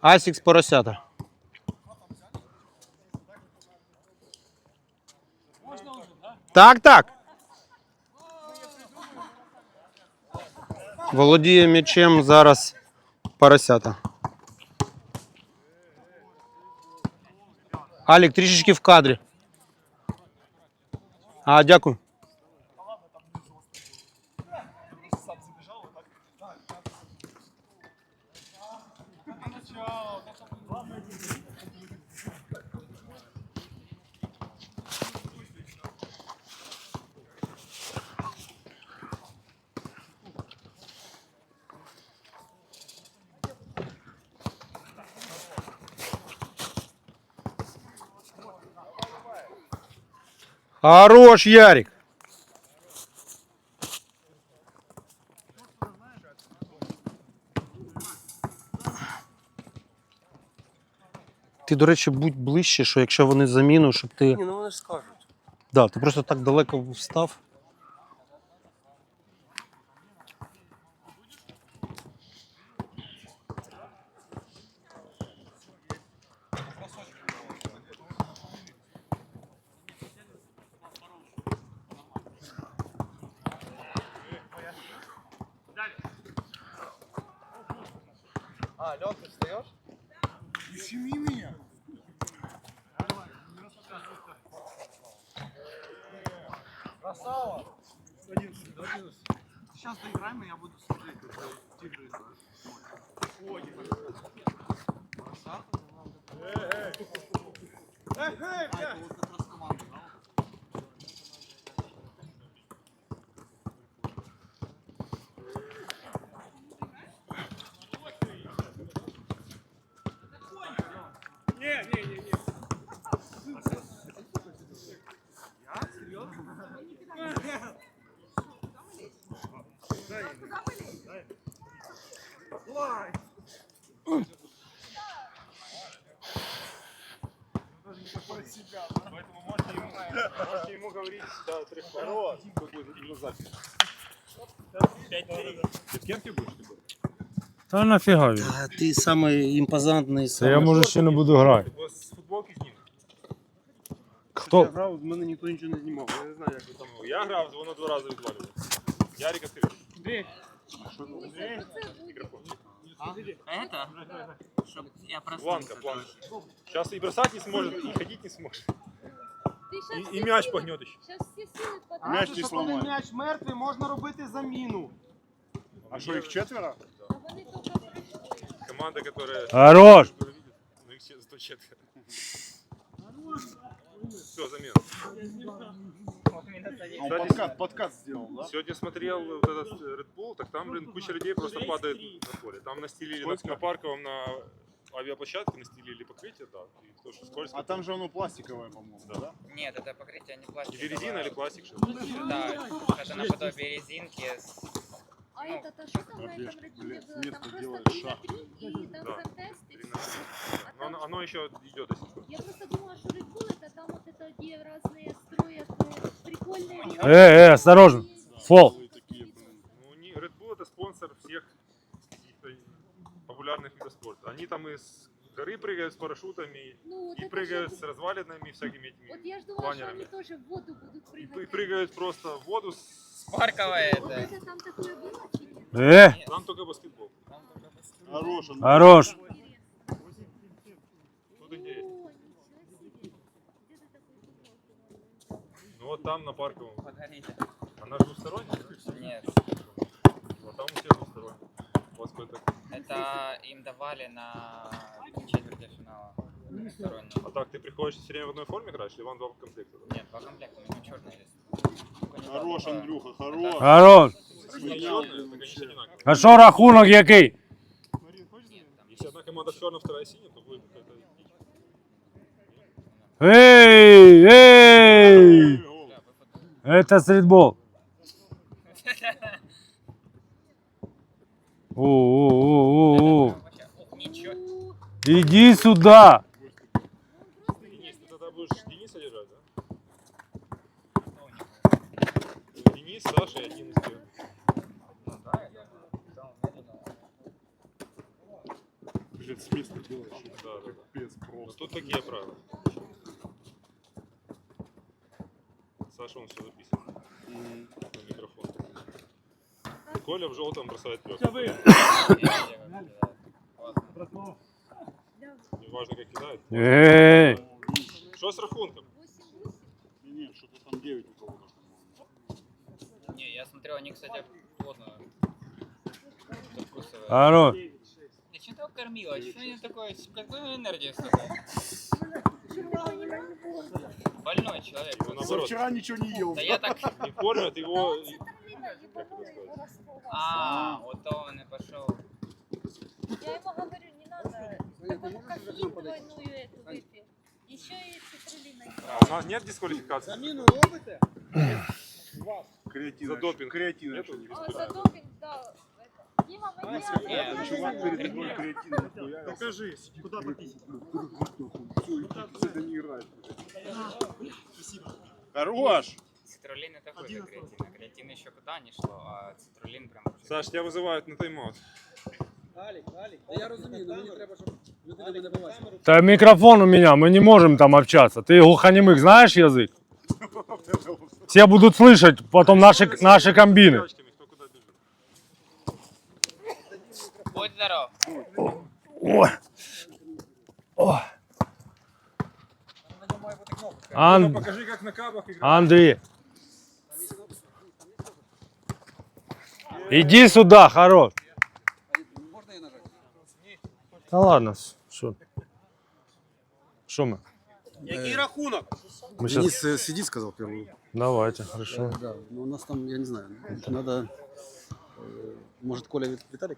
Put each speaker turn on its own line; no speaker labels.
Асікс поросята. Так, так. Володіє м'ячем зараз поросята. Алік, трішечки в кадрі. Дякую. Хорош, Ярик. Ти, до речі, будь ближче, що якщо вони заміну, щоб ти...
Ні, ну вони ж скажуть.
Да, ти просто так далеко встав.
Лёха, ты встаешь?
Ущеми меня.
Красава!
Сейчас доиграем, и я буду смотреть, как тигры играют. Это вот как раз команда, да? Не. Я? Серьезно? Дай.
Поэтому можете ему говорить, да, 3 хорош, на запись. 5-3. Ты в кемпе будешь?
Та нафіга він?
Ти самий імпозантний.
Та я може ще не буду грати.
З футболки зніму.
Хто?
Я грав, з мене ніхто нічого не знімав. Я не знаю, як ви там. Я грав, воно 2 рази відвалював. Ярик відкрив.
Андрей.
Микрофон.
Это? Чтоб я проснулся.
Планка. Сейчас и бросать не сможет, и ходить не сможет.
Ты
И мяч погнет еще.
Сейчас все силы потратишь.
Мяч не сломає. М'яч мертвий, можна робити заміну.
А что, их 4?
А вони тільки прийшли.
Команда, которая...
Хорош!
Ну их зато 4. Все, замена.
Он подкат сделал, да?
Сегодня смотрел вот этот Red Bull, так там, блин, куча людей просто падает на поле. Там настелили на Парковом на авиаплощадке, настелили покрытие, да, и то, что скользко.
А там же оно пластиковое, по-моему, да?
Нет, это покрытие не пластиковое.
Или резина, или пластик, что ли?
Да, это наподобие резинки.
А это то, что там на этом родиле
с
было?
места
Там
делали
просто 3
шаг.
на 3 и там
Да.
контест и
3
все.
на 3. Но оно еще идет до сих пор.
Я просто думала, что Red Bull это там вот это где разные строят прикольные...
Осторожно. Фол.
Ну, Red Bull это спонсор всех популярных видов спорта. Они там из горы прыгают с парашютами,
Ну, вот
и
это
прыгают
же-
с развалинами всякими этими
Вот я ж думала, что
планерами.
они тоже в воду будут
И
прыгать.
прыгают просто в воду.
Парковое
Вот
это.
это там такое было, чи нет?
Там только баскетбол.
Хорош, он.
Хорош.
Тут интересно.
О, ничего себе. Где ты такой футбол?
Ну вот там на Парковом.
Погорите.
Она же двусторонняя?
Нет,
Вот там у всех двусторонняя. У вас какой-то...
это им давали на четвертьфинала. Двусторонний.
А так, ты приходишь все время в одной форме играешь, или вам 2 комплекта?
Нет, 2 комплекта, у него черный есть.
Хорош, Андрюха, хорош.
Хорош.
Если не черная, так они все одинаковые.
А що рахунок який?
Если одна команда черная, вторая синяя, то будет какая-то...
Ей! Ей! Это стритбол. О.
Вообще, ох, ничего.
Иди сюда.
Денис, ты тогда будешь Дениса держать, да? Денис, Саша и один из тех.
Блин, с места делаешь.
Да, да.
Капец
Ну,
просто.
тут такие правила. Саша, он все записывает на микрофон. Коля в желтом бросает пёс. Неважно, как кидает.
Эй!
Что с рахунком?
8-8.
Не, что-то там 9 у кого-то.
Не, я смотрел, они, кстати, плотно закусывают.
Хорош.
Я что ты его кормила? Что они такое? Какой энергии столько? Больной человек.
Его наоборот.
Вчера ничего не ел.
Да я так...
Не кормят его.
Цитрлина ебанула его расплываться.
А, вот то он и пошел.
Я ему говорю, не надо, такой кофеин двойную эту выпей. Еще и цитрулина.
А у нас нет дисквалификации?
Креатин.
За допинг.
Креатин.
Нету?
А, за допинг, да. Дима, мы не
Чувак перед тобой креатин нахуя.
Докажись, куда пописать.
Все, это не играет. Хорош!
Цитрулин это хуже креатина. Креатин еще куда не шло, а цитрулин прям...
Саш, тебя вызывают на тайм-аут.
Алік, я розумію, але мені треба, щоб людина мене бачила.
Та микрофон у меня, мы не можем там общаться. Ты глухонемых знаешь язык? Все будут слышать потом наши комбины.
Девочками, кто куда бежит.
Будь здоров.
Ой. Ой. Ан-
Покажи, как на кабах играть.
Андрей. Иди сюда, хорош.
Можна я нажати?
Да ладно, что? Что мы?
Який рахунок?
Мы сейчас...
Денис сиди, сказал первую.
Давайте, хорошо.
Да, но у нас там, я не знаю, надо, может, Коля Виталик?